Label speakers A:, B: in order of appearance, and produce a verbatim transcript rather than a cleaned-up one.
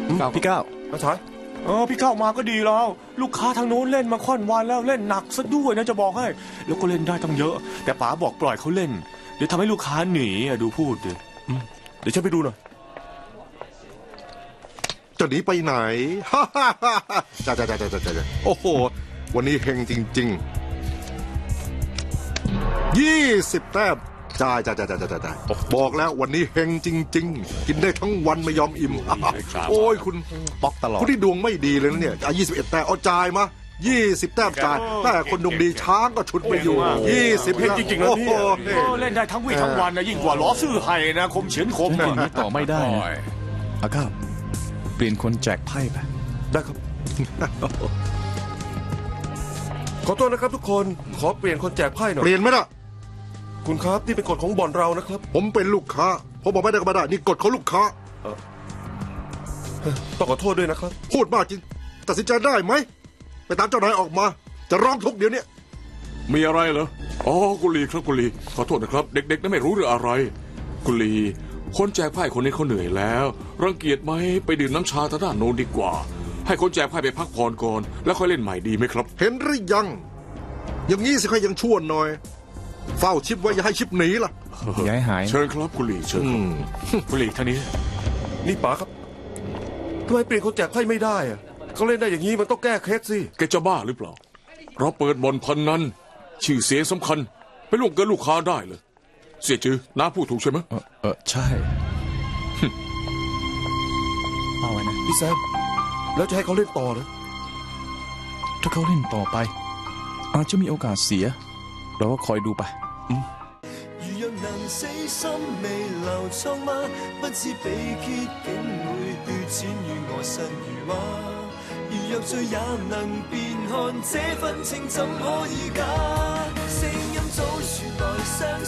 A: พี่ก้าว
B: มาฉายเออพี่เข้ามาก็ดีแล้วลูกค้าทางโน้นเล่นมาค่อนวันแล้วเล่นหนักซะด้วยนะจะบอกให้แล้วก็เล่นได้ตั้งเยอะแต่ป๋าบอกปล่อยเขาเล่นเดี๋ยวทำให้ลูกค้าหนีอ่ะดูพูดดิเดี๋ยวฉันไปดูหน่อย
C: จะหนีไปไหนฮ่าฮ่าฮ่าจ้าจ้าจ้าจ้าจ้าโอ้โหวันนี้เฮงจริงๆยี่สิบแต้มจ้าจ้าจ้าจ้าจ้าจ้าบอกแล้ววันนี้เฮงจริงๆกินได้ทั้งวันไม่ยอมอิ่มโอ้ยคุณ
A: ป๊อกตลอด
C: คุณที่ดวงไม่ดีเลยนะเนี่ยยี่สิบเอ็ดแต้มเอาจ่ายมายี่สิบแต้มจ่ายแต่คนดวงดีช้างก็ชุดไปอยู่ยี่สิบ
B: เล่นจริงๆแล้วเนี่ยเล่นได้ทั้งวี่ทั้งวันนะยิ่งกว่าล้อซื่อไห่นะคมเฉียนคมนะ
A: อย่างนี้ต่อไม่ได้อาก้าวเปลี่ยนคนแจกไพ่ไป
B: ได้ครับขอโทษนะครับทุกคนขอเปลี่ยนคนแจกไพ่หน่อย
C: เปลี่ยนไหมล่ะ
B: คุณครับนี่เป็นกฎของบ่อนเรานะครับ
C: ผมเป็นลูกค้าผมบอกไม่ได้ก็ไม่ได้นี่กฎของลูกค้า
B: ต้องขอโทษด้วยนะครับ
C: พูดมากจริงตัดสินใจได้ไหมไปตามเจ้านายออกมาจะร้องทุกเดี๋ยวนี้
D: มีอะไรเหรออ๋อกุลีครับกุลีขอโทษนะครับเด็กๆนั้นไม่รู้เรื่องอะไรกุลีคนแจกไพ่คนนี้เขาเหนื่อยแล้วรังเกียจไหมไปดื่มน้ำชาทางด้านโน้นดีกว่าให้คนแจกไพ่ไปพักผ่อนก่อนแล้วค่อยเล่นใหม่ดีไหมครับ
C: เห็นหรือยังอย่างงี้สิใครยังชั่วหน่อยเฝ้าชิปไว้อย่าให้ชิปหนีล่ะ
A: ย้ายหาย
D: เชิญครับกุลีเชิญ
B: กุลีท่านี้นี่ป๋าครับทำไมเปลี่ยนคนแจกไพ่ไม่ได้อะเขาเล่นได้อย่างนี้มันต้องแก้เคล็ดสิ
D: แกจะบ้าหรือเปล่าเราเปิดบ่อนพันนั้นชื่อเสียงสำคัญไปล่วงเกินลูกค้าได้เลยเสียจือน้าพูดถูกใช่ไหม
A: เออเออใช่เอาไว้นะ
B: พี่แซมแล้วจะให้เขาเล่นต่อเหรอ
A: ถ้าเขาเล่นต่อไปอาจจะมีโอกาสเสียเราก็คอยดูไป
E: 如若能死心未留瘡嗎？不知被揭竟會血濺如我身如畫。如若醉也能辨看這份情怎可以假？聲音早傳來相